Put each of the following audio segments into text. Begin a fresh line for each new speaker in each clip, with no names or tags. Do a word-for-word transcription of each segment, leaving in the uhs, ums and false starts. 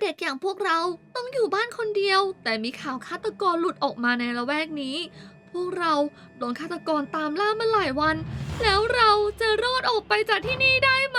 ด็กอย่างพวกเราต้องอยู่บ้านคนเดียว แต่มีข่าวฆาตกรหลุดออกมาในละแวกนี้ พวกเราโดนฆาตกรตามล่ามาหลายวัน แล้วเราจะรอดออกไปจากที่นี่ได้ไหม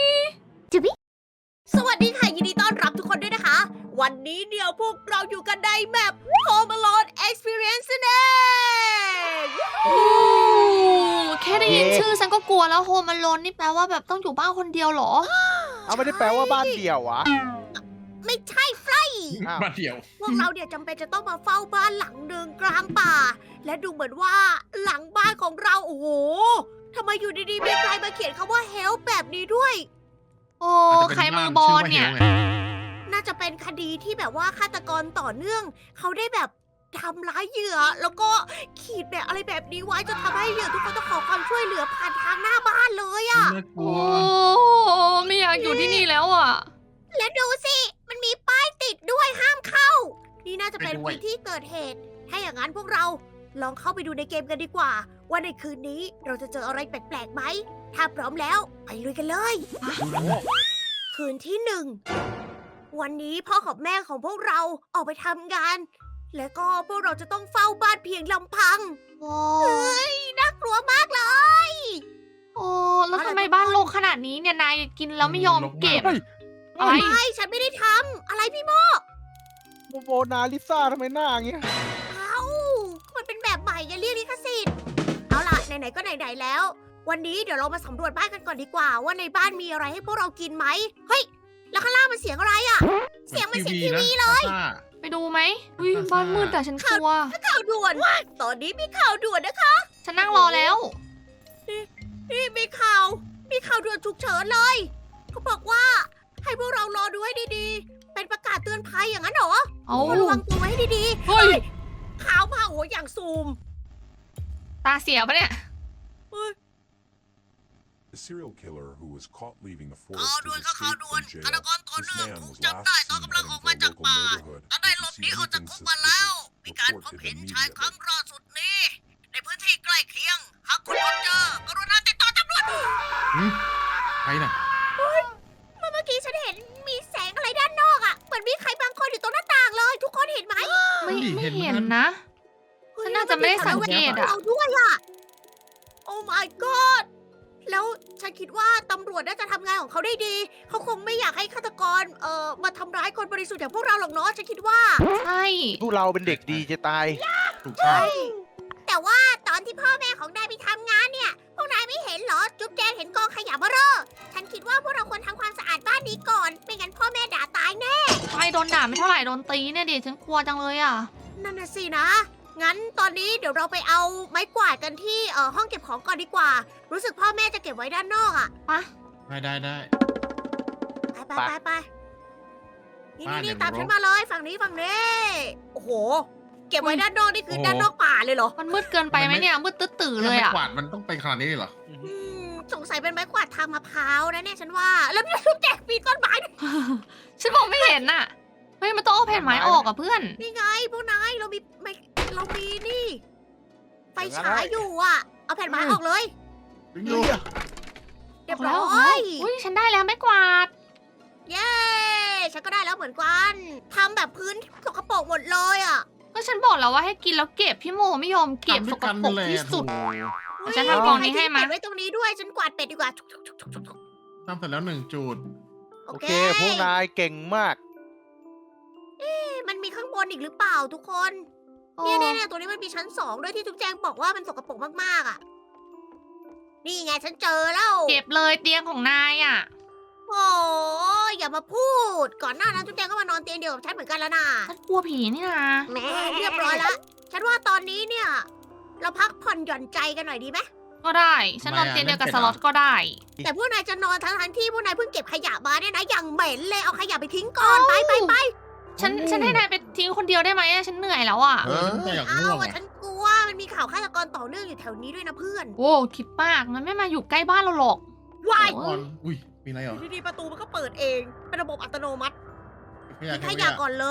สวัสดีค่ะยินดีต้อนรับทุกคนด้วยนะคะ วันนี้เดี๋ยวพวกเราอยู่กันในแมป Home Alone Experience นั่นเอง
โอ้แค่ได้ยินชื่อฉันก็กลัวแล้วโฮมอโลนนี่แปลว่าแบบต้องอยู่บ้านคนเดียวเหรอ
เอาไม่ได้แปลว่าบ้านเดี่ยววะ
ไม่ใช่ไฟ
อ้าว
บ้านเดี่ยว
พวกเราเนี่ยจำเป็นจะต้องมาเฝ้าบ้านหลังหนึ่งกลางป่า และดูเหมือนว่าหลังบ้านของเราโอ้โหทำไมอยู่ดีๆมีใครมาเขียนคำว่า help แบบนี้ด้วย
โอ้ใครมือบอลเนี่ย
น่าจะเป็นคดีที่แบบว่าฆาตกรต่อเนื่อง เขาได้แบบทำร้ายเหยื่อ แล้วก็ขีดแบบอะไรแบบนี้ไว้จนทำให้เหยื่อทุกคนต้องขอความช่วยเหลือผ่านทางหน้าบ้านเลยอะ
น่ากลั
โอ้
ว
ไม่อยากอยู่ที่นี่แล้วอ่ะ
แล้วดูสิ มันมีป้ายติดด้วยห้ามเข้า นี่น่าจะเป็น
ไปด้วย
พื้นที่เกิดเหตุ ถ้าอย่างนั้นพวกเราลองเข้าไปดูในเกมกันดีกว่า ว่าในคืนนี้เราจะเจออะไรแปลกๆไหม ถ้าพร้อมแล้วไปลุยกันเลย คืนที่หนึ่ง วันนี้พ่อกับแม่ของพวกเราออกไปทำงาน และก็พวกเราจะต้องเฝ้าบ้านเพียงลำพัง
โอ้
เฮ้ย น่ากลัวมากเลย
โอ้แล้วทำไมบ้านรกขนาดนี้เนี่ยนายกินแล้วไม่ยอมเก็บ
เฮ้ย
อะไร
ไม่ฉันไม่ได้ทำอะไรพี่โม
โมโมนาลิซ่าทำไมหน้าอย่างเงี้ย
เอ้ามันเป็นแบบใหม่อย่าเรียกลิขสิทธิ์ เอาล่ะ ไหนๆ ก็ไหนๆ แล้ว วันนี้เดี๋ยวเรามาสำรวจบ้านกันก่อนดีกว่า ว่าในบ้านมีอะไรให้พวกเรากินไหม เฮ้ย แล้วข้างล่างมันเสียงอะไรอะ เสียงมันเสียงทีวีเลย
ไปดูไหมอุ้ยบ้านมืดแต่ฉันกลัว
ข่าวด่วน ตอนนี้มีข่าวด่วนนะคะ
ฉันนั่งรอแล้ว
นี่มีข่าว มีข่าวด่วนฉุกเฉินเลย เขาบอกว่าให้พวกเรารอดูให้ดีๆ เป็นประกาศเตือนภัยอย่างนั้นเหรอ
เอา
ระวังตัวไว้ให้ดี
เฮ้ย
ๆ ข่าวมาโอ้อย่างซูม
ตาเสียปะเนี่ย
The serial killer who was caught leaving the
ข่าว
forest
ด่วน
has
ค่ะข่าว
escaped
ด่วน
from
ฆาต
jail.
กรต่อ
This
เนื่อง
man
ถูก
was
จับ
last
ได้ตอน
seen
กำลัง
heading
ออก
for
มา
a
จาก
local
ป่า
neighborhood.
และได้หลบหนีออกจากคุกมาแล้ว มีการพบเห็นชายครั้งล่าสุดนี้ ในพื้นที่ใกล้เคียง หากคุณพบเจอกรุณาติดต่อตำรวจ
ใครน่ะ
เมื่อกี้ฉันเห็นมีแสงอะไรด้านนอกอ่ะ เหมือนมีใครบางคนอยู่ตรงหน้าต่างเลย ทุกคนเห็นไหม
ไม่
ดิ
ไม่
เห็น
เห็น
มัน
นะ ฉันน่าจะไม่ได้สังเกตอะ
เราด้วยอ่ะ โอ้ my god แล้วฉันคิดว่าตำรวจน่าจะทำงานของเขาได้ดี เขาคงไม่อยากให้ฆาตกร เอ่อ มาทำร้ายคนบริสุทธิ์อย่างพวกเราหรอกเนาะ ฉันคิดว่า
ใช่
พวกเราเป็นเด็กดีจะตาย
ถูกต้อง
แต่ว่าตอนที่พ่อแม่ของนายไปทำงานเนี่ย พวกนายไม่เห็นเหรอ จุ๊บแจงเห็นกองขยะเบ้อเร่อฉันคิดว่าพวกเราควรทำความสะอาดบ้านนี้ก่อน ไม่งั้นพ่อแม่ด่าตายแน่
ใช่โดนด่าไม่เท่าไหร่โดนตีเนี่ยดิฉันกลัวจังเลยอ่ะ
นั่นน่ะสินะ งั้นตอนนี้เดี๋ยวเราไปเอาไม้กวาดกันที่เอ่อห้องเก็บของก่อนดีกว่า รู้สึกพ่อแม่จะเก็บไว้ด้านนอกอะ
ปะ
ได้ได้ได้
ไปไปไปไปนี่
บ้าน
นี่
เนี่
นี่
ย
ตาม
มันรก
ฉันมาเลยฝั่งนี้ฝั่งนี้ โอ้โห เก็บไว้ด้านนอกนี่คือ
โอ้โห
ด้านนอกป่าเลยเหรอ
มันมืดเกินไปไหมเนี่ย มืดตื้อๆเลยอ่ะ
ไม้กวาดมันต้องไปขนาดนี้เลยเหรอ
อืมสงสัยเป็นไม้กวาดทางมะพร้าวนะเนี่ยฉันว่า แล้วจุ๊บแจงปีนต้นไม้ด้วย
ฉันมองไม่เห็นน่ะ เฮ้ยมันต้องเอาแผ่นไม้ออกอ่ะเพื่อน
นี่ไงพวกนายเรามีไม่เรามีนี่ ไฟฉายอยู่อ่ะ เอาแผ่นไม้ออกเลย
ดึงอยู่
เรียบ
แล้
ร้
ว
อย
อุ้ยฉันได้แล้วไม้กวาด
เย้ ฉันก็ได้แล้วเหมือนกันทำแบบพื้นสกปรกหมดเลยอ่ะ
ก็ฉันบอกแล้วว่าให้กินแล้วเก็บพี่โมไม่ยอมเก็บสกปรกที่สุด ฉันทำกองนี้ให้มา
ใครทิ้งเป็ดไว้ตรงนี้ด้วย ฉันกวาดเป็ดดีกว่า
ทำเสร็จแล้วหนึ่งจุด
โอ
โอ
เค
เค พวกนายเก่งมาก
มันมีข้างบนอีกหรือเปล่าทุกคน เนี่ยเนี่ยเนี่ยตัวนี้มันมีชั้นสองด้วยที่ทุกแจงบอกว่ามันสกปรกมากๆอ่ะ นี่ไงฉันเจอแล้ว
เก็บเลยเตียงของนายอ่ะ
โอ้ยอย่ามาพูด ก่อนหน้านั้นทุกแจงก็มานอนเตียงเดียวกับฉันเหมือนกันแล้วนะ
ฉันกลัวผีนี่นะ
แหม่เรียบร้อยแล้ว ฉันว่าตอนนี้เนี่ย เราพักผ่อนหย่อนใจกันหน่อยดีไหม
ก็ได้ ฉันนอนเตียงเดียวกับสล็อตก็ได้
แต่พวกนายจะนอนทั้งทั้งๆที่พวกนายเพิ่งเก็บขยะมาเนี่ยนะอย่างเหม็นเลยเอาขยะไปทิ้งก่อนไปไปไป
ฉันฉันให้นายไปทิ้งคนเดียวได้ไหมอะฉันเหนื่อยแล้วอ่ะ
เออฉันก็อยาก
เอา
ง่วง
อะ
อ่ะ
ฉันกลัวมันมีข่าวฆาตกรต่อเนื่องอยู่แถวนี้ด้วยนะเพื่อน
โว้คิดมากมันไม่มาอยู่ใกล้บ้านเราหรอก
วาย
ก่อนอุ้ย มีอะไรเหรอ
อยู่ดีๆประตูมันก็เปิดเอง เป็นระบบอัตโนมัติ
ขยะ
ทิ้ง
ข
ข
ยะ
ยะก่อนเลย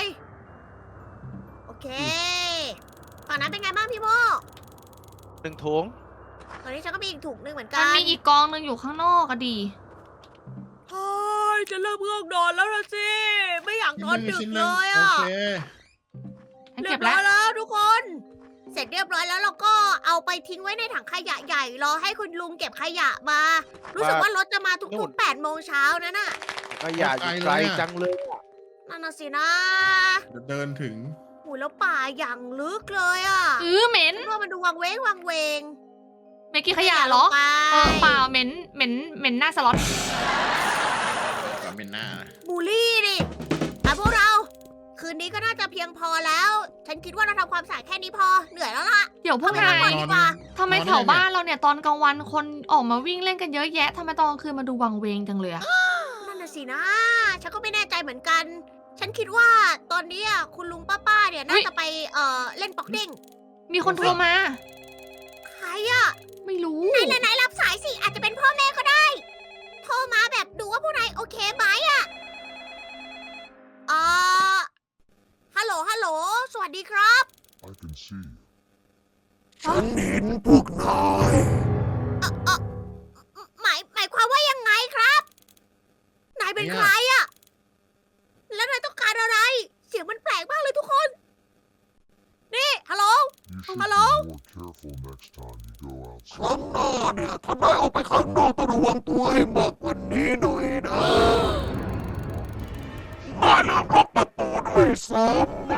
โอเคฝั่งนั้นเป็นไงบ้างพี่โม
หนึ่งถุง
ตอนนี้ฉันก็มีอีกถุงหนึงเหมือนกั
มัน
น
มีอีกกองหนึงอยู่ข้างนอกก็ดี
เฮ้ยจะเริ่มง่วงนอนแล้วละสิ ไม่อยากสั่งตอนดึก
ชิ้นห
เล
นึ่ง
ย
โอ
อ่ะ
เค
ฉัน
เรี
เก็
ย
บบ แล้
ร้
ว
อยแล้วทุกคน เสร็จเรียบร้อยแล้วเราก็เอาไปทิ้งไว้ในถังขยะใหญ่รอให้คุณลุงเก็บขยะมา รู้สึกว่ารถจะมาทุกๆแปดโมงเช้านะน่ะ
ขยะอยู่ไกลจังเลยอะ
นั่นน่ะสินะ
เดี๋ยวเดินถึง
หูแล้วป่าอย่างลึกเลยอ่ะ
เออเหม็น
ฉันว่ามันดูวังเวงวังเวง
เมื่อกี้ขยะเหรอ
ไป
เออเปล่าเหม็นเหม็นเหม็นหน้าสล็อต
กับเป็นหน้านะ
บูลลี่ดิแต่พวกเรา คืนนี้ก็น่าจะเพียงพอแล้ว ฉันคิดว่าเราทำความสะอาดแค่นี้พอ เหนื่อยแล้วล่ะ
เดี๋ยวพวก
เข้าไป
นาย
พักผ่อนดีกว่า
ทำไมแถวบ้านเราเนี่ยตอนกลางวันคนออกมาวิ่งเล่นกันเยอะแยะทำไมตอนกลางคืนมาดูวังเวงจังเลยอะ
นั่นน่ะสินะ ฉันก็ไม่แน่ใจเหมือนกัน ฉันคิดว่าตอนนี้อะคุณลุงป้าๆเนี่ยน่าจะไปเอ่อเล่นป๊อกเด้ง
มีคนโทรมา
ใครอะ
ไม่รู้
ไหนไหนไหนรับสายสิ อาจจะเป็นพ่อแม่ก็ได้ โทรมาแบบดูว่าพวกนายโอเคไหมอะเอ่อฮัลโหล ฮัลโหล สวัสดีครับ
I can see.
ฉันเห็นพวกนายเอ่อเอ่อหมายหมายความว่ายังไงครับ นายเป็นใครอะแล้วนายต้องการอะไร เสียงมันแปลกมากเลยทุกคน นี่ ฮัลโหล
You should
Hello?
be more careful next time you go
ครั้
outside.
งหน้าเนี่ยถ้านายออกไปข้างนอกต้องระวังตัวให้มากกว่านี้หน่อยนะนายลืมล็อกประตูด้วยซ้ำนะ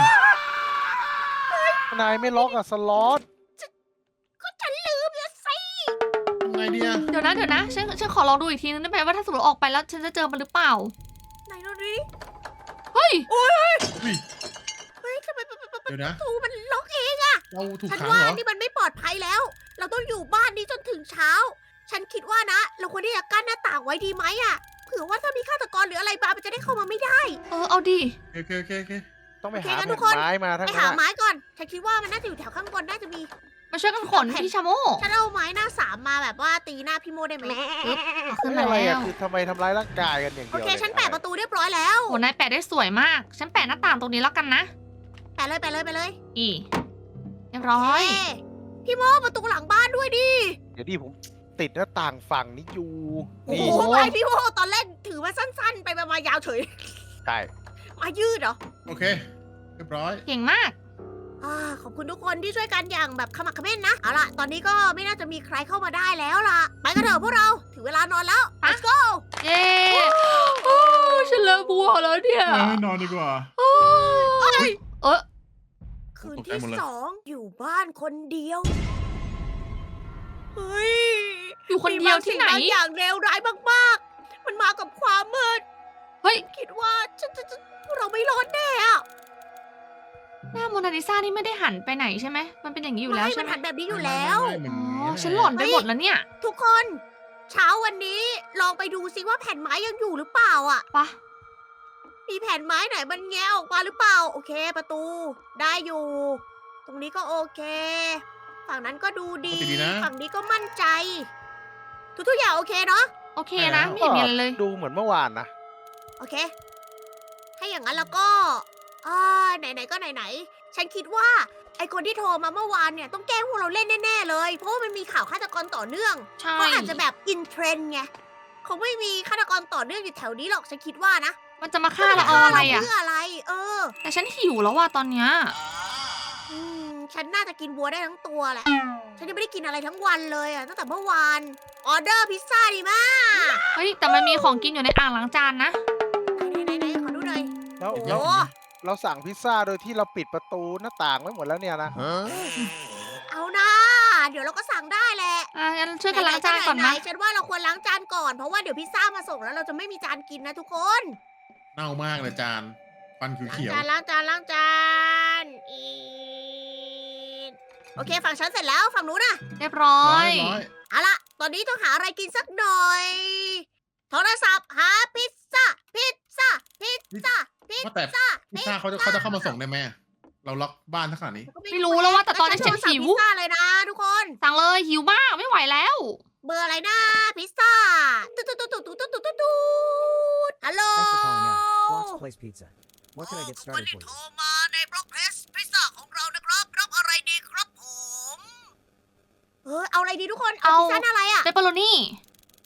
นายไม่ล็อกอะสล็อต
ก็ฉันลืมนะสิ
ทำไงดีอะ
เดี๋ยวนะเดี๋ยวนะฉันฉันขอลองดูอีกทีนึงได้ไหมว่าถ้าสมมติออกไปแล้วฉันจะเจอมันหรือเปล่า
ไหนดูดิ
เฮ้ย
อุ้ย
เฮ้ยทำไมประ
เดี๋ยวนะ
ตูมันล็อกเอง
เราถูก
ฉัน
ขัง
ว่า
เหรอ
นี่มันไม่ปลอดภัยแล้ว เราต้องอยู่บ้านนี้จนถึงเช้า ฉันคิดว่านะ เราควรที่จะกั้นหน้าต่างไว้ดีไหมอะเผื่อว่าถ้ามีฆาตกรหรืออะไรมามันจะได้เข้ามาไม่ได้
เออเอาดิ
โอเคโอเคโอเค
ต้องไป
โอเค
หา
งั้นทุ
แผ่
กคน
นไม้มาทั้ง
ไป
นั้
หาน
อะ
ไม้ก่อน ฉันคิดว่ามันน่าจะอยู่แถวข้างบนน่าจะมี
มาช่วยกันขนพี่ชาโม
ฉันเอาไม้หน้าสามมาแบบว่าตีหน้าพี่โมได้ไหม
เอาขึ้น
เฮ้ย
มา
อะไร
แล้
อะ
ว
คือทำไมทำร้ายร่างกายกันอย่าง
โอ
เดียว
เค
เลย
ฉันแปะประตูเรียบร้อยแล้ว
โหนายแปะได้สวยมาก ฉันแปะหน้าต่างตรงนี้แล้วกันนะ
แปะเลยแปะเลยไปเลย
อีเรียบร้อย
เอ้พี่โมประตูหลังบ้านด้วยดิ
เดี๋ยวดิผมติดหน้าต่างฝั่งนี้อยู่
โอ้
นี่
โหไปพี่โมตอนแรกถือว่าสั้นๆ ไปมายาวเฉย
ใช่
มายืดเหรอ
โอเค เรียบร้อย
เก่งมาก
อ่าขอบคุณทุกคนที่ช่วยกันอย่างแบบขมักเขม้นนะ เอาล่ะ ตอนนี้ก็ไม่น่าจะมีใครเข้ามาได้แล้วล่ะ ไปกันเถอะพวกเรา ถึงเวลานอนแล้ว let's go
เย้โอ้ฉันเลิกบัวแล้วเนี่ย
เออนอนดีกว่า
โอ้ยเออ
คืน
ตกใจ
ที่
หมดเลย
สองอยู่บ้านคนเดียว เฮ้ย
อยู่คนเดียวที่ไหน
มีบางสิ่งบางอย่างเลวร้ายมากๆ มันมากับความมืด
เฮ้ย
คิดว่าฉันจะจะพวกเราไม่รอดแน่อะ
หน้าโมนาลิซานี่ไม่ได้หันไปไหนใช่ไหม มันเป็นอย่างนี้อยู่แล้ว
ไม่
ใช่
มัน
ไหม
หันแบบนี้อยู่แล้ว
ไม่ไม่
อ๋
ไม่
อ
ไม่
ฉันหล่อนไปหมดแล้วเนี่ย
ทุกคน เช้าวันนี้ลองไปดูซิว่าแผ่นไม้ยังอยู่หรือเปล่าอ่ะ
ปะ
มีแผ่นไม้ไหนมันแงะออกมาหรือเปล่า โอเค ประตูได้อยู่ ตรงนี้ก็โอเค ฝั่งนั้นก็ดูดี
ปกติดีนะ
ฝั่งนี้ก็มั่นใจ ทุกๆอย่างโอเคเนาะ
โอเคนะ ไม่เห็นมีอะไรเลย
ดูเหมือนเมื่อวานนะ
โอเค ถ้าอย่างนั้นแล้วก็อ่าไหนๆก็ไหนๆ ฉันคิดว่าไอคนที่โทรมาเมื่อวานเนี่ยต้องแกล้งพวกเราเล่นแน่ๆเลย เพราะว่ามันมีข่าวฆาตกรต่อเนื่อง
ใช่
เขาอาจจะแบบอินเทรนด์ไงคงไม่มีฆาตกรต่อเนื่องอยู่แถวนี้หรอก ฉันคิดว่านะ
มันจะมาฆ่าเราเอาอะไรอ่ะ
เพื่ออะไร เออ
แต่ฉันหิวแล้วว่ะตอนเนี้ย
อืม ฉันน่าจะกินบัวได้ทั้งตัวแหละ ฉันยังไม่ได้กินอะไรทั้งวันเลยอะตั้งแต่เมื่อวาน ออเดอร์พิซซ่าดีมาก
เฮ้ย แต่มันมีของกินอยู่ในอ่างล้างจานนะ
ไหนๆๆขอดูหน่อย
แล้ว
โอ้โห
แล้วเราสั่งพิซซ่าโดยที่เราปิดประตูหน้าต่างไว้หมดแล้วเนี่ยนะ
เอานะเดี๋ยวเราก็สั่งได้แหละ
อ่ะงั้นช่วยกันล้างจานก่อน
ไห
นะ
ๆฉันว่าเราควรล้างจานก่อน เพราะว่าเดี๋ยวพิซซ่ามาส่งแล้วเราจะไม่มีจานกินนะทุกคน
เน่ามากเลยจานฟัน
ล้าง
เขียว
จานล้างจานล้างจานอีดโอเคฝั่งฉันเสร็จแล้วฝั่งนู้นน่ะ
เรียบร้อ
ๆร้อย
ย
ร้อย
เอาล่ะ ตอนนี้ต้องหาอะไรกินสักหน่อย โทรศัพท์หาพิซซ่า พิซซ่า พิซซ่า พิซ
ว่าแต่
ซ่า
พิซซ่าเขาจะเขาจะเข้ามาส่งได้ไหมเราล็อกบ้านทั้งขนาดนี้
ไม่รู้แล้วว่าแต่ตอนนี้ฉันหิว
พิซซ่าเลยนะทุกคน
สั่งเลยหิวมากไม่ไหวแล้ว
เบอร์อะไรนะพิซซ่าตุ๊ดตุ๊ดตุ๊ดตุ๊ดตุ๊ดตุ๊ดตุ๊ดตุ๊ดฮัลโหล
Thanks for calling out. Block's Place Pizza. What can I get
คน
started
ที่
for
โทร
you?
มาในบล็อกเพสพิซซ่าของเรานะครับ รับอะไรดีครับผม เออเอาอะไรดีทุกคน เอา
เอา
พิซซ่าหน้าอะไรอ่ะ
เปปเปอโรนี่
เอ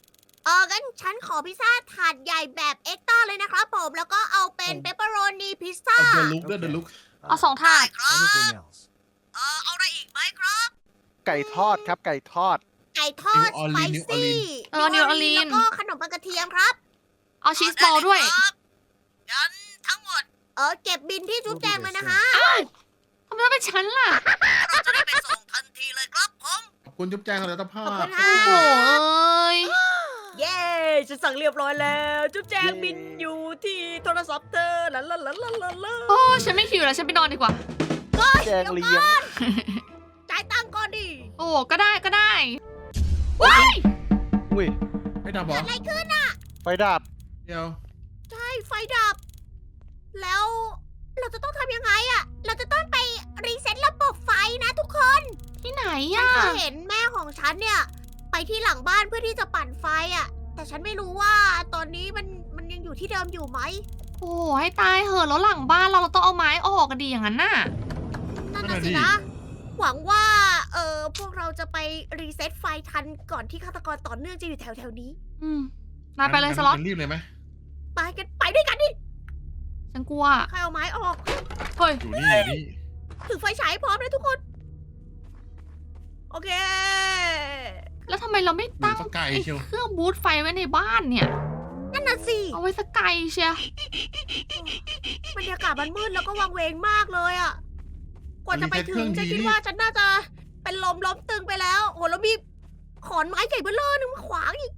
อองั้นฉันขอพิซซ่าถาดใหญ่แบบเอ็กซ์ต้าเลยนะครับผม แล้วก็เอาเป็นเปปเปอโรนีพิซซ่า
เอาเดอะลุกด้วยเดอะลุก
เอาสองถาด
ครับ
Anything else?
เออเอาอะไรอีกไหมครับ
ไก่ทอดครับไก่ทอด
ไก่ทอด
นิวออ
ส
ร์
ไป
ลีน
ซี่
เออนิวออร์ลีน
แล้วก็ขนมปังกระเทียมครับ
เอาชีสบอลด้วย
งั้นทั้งหมด เออเก็บบินที่จุ๊บแจงเลยนะคะ
ทำไมต้องเป็นฉันล่ะ
เราจะได้ไปส่งทันทีเลยครับผม
ขอบคุณจุ๊บแจงสำหรับเจ้าภา
ขอบคุ
พ
ณค่ะ
โอ้โหเอ้ย
เย้ฉันสั่งเรียบร้อยแล้ว จุ๊บแจง
เย้
บินอยู่ที่โทรศัพท์เธอลาลาลาลาลาลา
โอ้ฉันไม่หิวแล้วฉันไปนอนดีกว่า
แจงเลี้ยง
จ่ายตังค์ก่อนดิ
โอ้ก็ได้ก็ได้ว้าย
อุ้ย
ไม่ดับเหร
เกิ
อ
ดอะไรขึ้นอ่ะ
ไฟดับ
เดี๋ยว
ใช่ไฟดับ แล้วเราจะต้องทำยังไงอะเราจะต้องไปรีเซ็ตระบบไฟนะทุกคน
ที่ไหน
ฉัน
อ่ะ
เคยเห็นแม่ของฉันเนี่ย ไปที่หลังบ้านเพื่อที่จะปั่นไฟอะแต่ฉันไม่รู้ว่าตอนนี้มันมันยังอยู่ที่เดิมอยู่ไหม
โอ้ให้ตายเหอะแล้วหลังบ้านเราเราต้องเอาไม้ออกกันดีอย่างนั้นน่ะ
นั่นน่ะสินะ หวังว่า เออพวกเราจะไปรีเซ็ตไฟทันก่อนที่ฆาตกรต่อเนื่องจะอยู่แถวแถวๆนี้
อืมนายไปเลยสล็อต
งั้นรีบเลยไหม
ไปกันไปด้วยกันดิ
ฉันกลัว
ใครเอาไม้ออก
เฮ้ย
อยู่นี่อยู่นี่
ถือไฟฉายพร้อมเลยทุกคน โอเค
แล้วทำไมเราไม่
อยู่
ตั้ง
สักไกล
ไอ้
เชียว
เครื่องบูตไฟไว้ในบ้านเนี่ย
นั่นน่ะสิ
เอาไว้สักไกลเชีย
บรรยากาศมันมืดแล้วก็วังเวงมากเลยอะกว่าจะไปถึงฉันคิดว่าฉันน่าจะเป็นลมล้มตึงไปแล้ว โอ้แล้วมีขอนไม้ใหญ่เบ้อเร่อนึงมาขวางอีก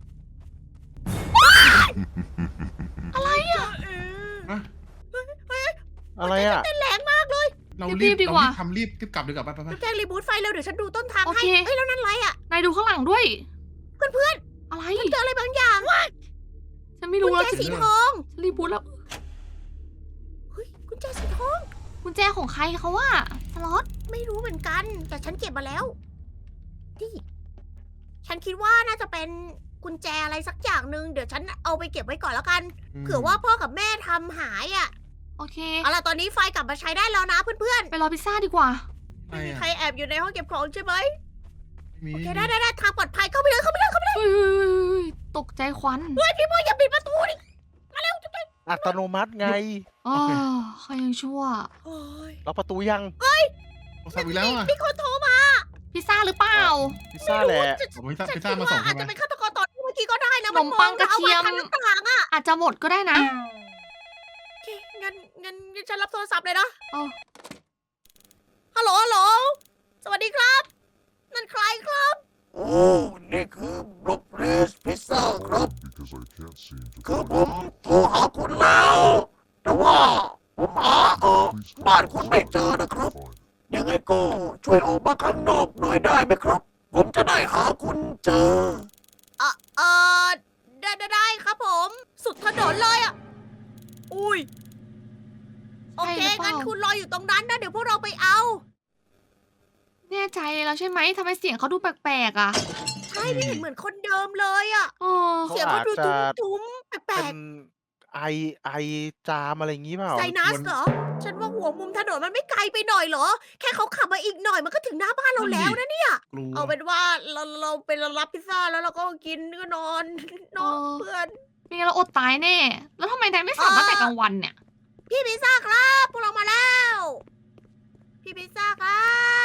อะไรอะเออ
อะไรอ่ะ
เต้นแรงมากเลย
เรา
รี
รี
บบ ดีกว่า
เรรีบทำรีบรีบกลับดีกว่าไปไปไป
แจ้งรีบูทไฟเร็วเดี๋ยวฉันดูต้นทาง
โอ
ให้
เค
เฮ้ยแล้วนั่นอะไรอะ
นายดูข้างหลังด้วย
เพื่อน
อะไร
ๆฉันเจออะไรบางอย่าง
ฉันไม่
กุ
รู้
ญ
แล้ว
แจ
ฉัน
สีทอง
รีบูตแล้ว
เฮ้ยกุญแจสีทอง
กุญแจของใครเขาว่าสล็อต
ไม่รู้เหมือนกัน แต่ฉันเก็บมาแล้วนี่ฉันคิดว่าน่าจะเป็นกุญแจอะไรสักอย่างหนึ่งเดี๋ยวฉันเอาไปเก็บไว้ก่อนแล้วกัน เผื่อว่าพ่อกับแม่ทำหายอะ
โอเค
เอาล่ะตอนนี้ไฟกลับมาใช้ได้แล้วนะเพื่อน
ไปรอพิซซ่าดีกว่า
ๆ
ไม่
ไม่มี
อะ
ใครแอบอยู่ในห้องเก็บของใช่ไหม
มี
โอเคได้ได้ได้ทางปลอดภัยเข้าไปเลยเข้าไปเลยเข้าไปเลย
เฮ้ยเฮ้ยเฮ้ยเฮ้ยตกใจควัน
เฮ้ยพี่โมอย่าปิดประตูดิ
อัตโนมัติไง
อ๋อเขายังชั่ว
โอ้ย
ล็อกประตูยัง
โทรศัพท์อีกแล้วอ่ะ
มีคนโทรมา
พิซซ่าหรือเปล่า
พิซซ่าแหละ
จะ
ผมพิซซ่า
ฉัน
พิซ
คิ
ซ่า
ด
มา
ว่า
ส่ง
อา
ใช่
จ
ไหม
จะเป็นฆาตกรต่อเนื่องเมื่อกี้ก็ได้นะ
ขนมปังกระเทียม
นมอาไว้ทางหน้าต่างอะ
อาจจะหมดก็ได้นะ
โอเคงั้นงั้นงั้นฉันรับโทรศัพท์เลยนะ
เอา
ฮัลโหลฮัลโหลสวัสดีครับ นั่นใครครับ
โอ้นี่คือบล็อกเรสพิซซ่าครับ
Because I can't seem to
คือ
find
ผมโทรหาคุณแล้ว แต่ว่าผมหาเออ
Please
บ้านคุณไม่เจอนะครับ
find it.
ยังไงก็ช่วยออกมาข้างนอกหน่อยได้ไหมครับ ผมจะได้หาคุณเจอ
เออเออได้ได้ได้ครับผม สุดถนนเลยอ่ะ อุ้ย โอเค
ใช่หรือเปล่า
งั้นคุณรออยู่ตรงนั้นนะ เดี๋ยวพวกเราไปเอา
แน่ใจแล้วใช่ไหมทำไมเสียงเขาดูแปลกๆอ่ะ
ใช่ไม่เห็นเหมือนคนเดิมเลยอ่ะ
เออ
เขา
เสียงเขาดู
อาจจะ
ทุ้มๆแปล
เป็
ก
นไอไอจามอะไรอย่างงี้เปล่า
ๆไซนัสเหรอ ฉันว่าหัวมุมถนนมันไม่ไกลไปหน่อยเหรอ แค่เขาขับมาอีกหน่อยมันก็ถึงหน้าบ้านเราแล้วนะเนี่ย
กลัว
เอาเป็นว่าเราเราไปรับพิซซ่าแล้วเราก็กินก็นอนนอน
เออ
เพื่อน
ไม่งั้นเราอดตายแน่ แล้วทำไมนายไม่สั่งตั้งแต่กลางวันเนี่ย
พี่พิซซ่าครับพวกเรามาแล้ว พี่พิซซ่าครับ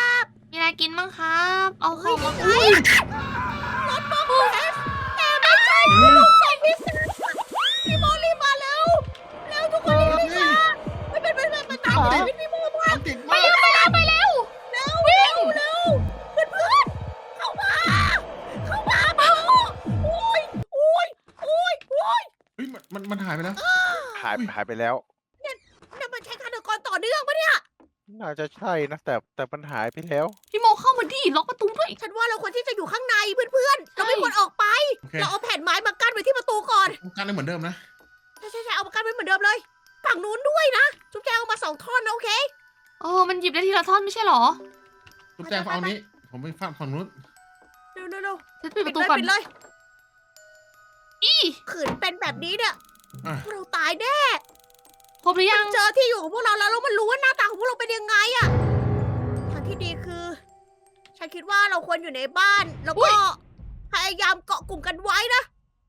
มีอะไรกินบ้างครับ เอาข
เฮ้
อย งมา
เฮ้ยรถบัมเบสแต่ไม่ใช่พี่ลูกใส่พิซซ่าพี่โมรีบมาแล้วแล้วทุกคนรีบมาไม่เป็นไม่เป็นไม่ตามไปเลยพี่โมมา
น้ำติดมาก
ไปแล้ว
แล้ววิ่งเร็วเพื่อนเพื่อนๆเข้ามาเข้ามาเปล่าโอ้ยโอ้ยโอ้ยโอ้ย
เฮ้ยมันมันมันหายไปแล้ว
หายหายไปแล้ว
นั่นมันใช้ฆาตกรต่อเนื่องปะเนี่ย
น่าจะใช่นะแต่แต่มันหายไปแล้ว
พี่โมเข้ามาดิล็อกประตูด้วย
ฉันว่าเราควรที่จะอยู่ข้างในเพื่อนๆเราไม่ควรออกไป
โอเค
เราเอาแผ่นไม้มากั้นไว้ที่ประตูก่อน
การได้เหมือนเดิมนะ
ใช่ใช่ใช่เอามากั้นไว้เหมือนเดิมเลย ฝั่งนู้นด้วยนะ จุ๊บแจงเอามาสองท่อนนะโอเค
เออ มันหยิบได้ทีละท่อนไม่ใช่เหรอ
จุ๊บแจงเอานี้ ผมไปฝั่งฝั่งนู้น
เร็วเร็วเร็ว
ฉันปิด
ปิ
ป
ด
ระตู
เลย
ก่อน
ปิดเลย
อี
ขืนเป็นแบบนี้เนี่ย
อ่ะ
พวกเราตายแน่
ครบหรือยัง
เจอที่อยู่ของพวกเราแล้วแล้วมันรู้ว่าหน้าตาของพวกเราเป็นยังไงอะทางที่ดีคือ ฉันคิดว่าเราควรอยู่ในบ้าน แล้วก็พยายามเกาะกลุ่มกันไว้นะ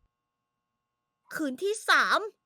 คืนที่สาม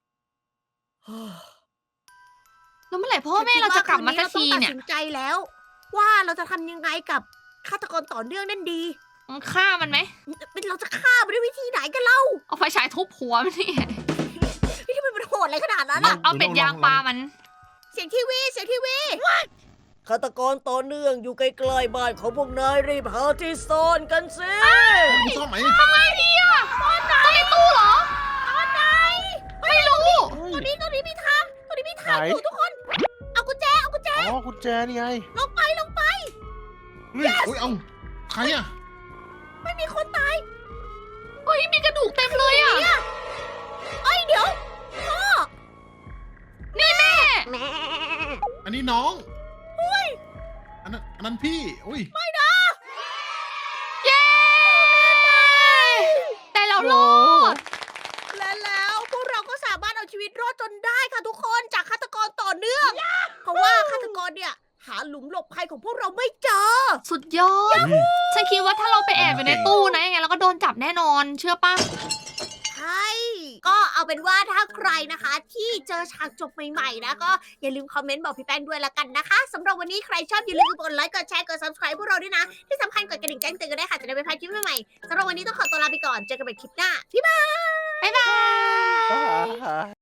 แล้วเมื่อไหร่พ่อแม่เราจะกลับมาสักทีเนี่ย
ฉันคิดว่าคืนนี้เราต้องตัดสินใจแล้ว ว่าเราจะทำยังไงกับฆาตกรต่อเนื่องนั่นดี
ฆ่ามันไหม
เราจะฆ่ามันด้วยวิธีไหนกันเล่า
เอาไฟฉายทุบหัวมันนี่
นี่ทำไมมันโหดอะไรขนาดนั้น
เอา
อะ
เอาเป็ดยางปลามัน
เสียงทีวีเสียงทีวีฆาตกรต่อเนื่องอยู่ใกล้ๆบ้านของพวกนายรีบหาที่ซ่อนกันสิ
มีซ่อมไหม
ทำไงดีอะต้องในตู้เหรอ
ตอนไหน
ไม่รู้
ตอนนี้ตอนนี้มีทางตอนนี้มีทาง
ไหน
อยู่ทุกคน เอากุญแจเอากุญแจ
อ๋อกุญแจนี่ไง
ลงไปลงไป
เฮ้ยโอ้ยเอาใครอ่ะ
ไม่มีคนตาย
เฮ้ยมีกระดูกเต็มเลยอะ
เอ้ยเดี๋ยวพ่อ
นี่แม่
อันนี้น้องอุ้ยอันนั้นอันนั้นพี่อุ้ย
ไม่นะ
เย้แต่เรารอด
และแล้วพวกเราก็สามารถเอาชีวิตรอดจนได้ค่ะทุกคนจากฆาตกรต่อเนื่อง เพราะว่าฆาตกรเนี่ยหาหลุมหลบภัยของพวกเราไม่เจอ
สุดยอด ฉันคิดว่าถ้าเราไปแอบอยู่ในตู้นะยังไงเราก็โดนจับแน่นอน เชื่อป่ะ
ใช่ ก็เอาเป็นว่าถ้าใครนะคะ ที่เจอฉากจบใหม่ๆนะก็อย่าลืมคอมเมนต์บอกพี่แป้งด้วยละกันนะคะสำหรับวันนี้ใครชอบอย่าลืมกดไลค์กดแชร์กด subscribe พวกเราด้วยนะ ที่สำคัญกดกระดิ่งแจ้งเตือนกันได้วยค่ะจะได้ไม่พลาดคลิปใหม่ๆสำหรับวันนี้ต้องขอตัวลาไปก่อนเจอกันใหม่คลิปหน้า
บ๊ายบาย
อ่า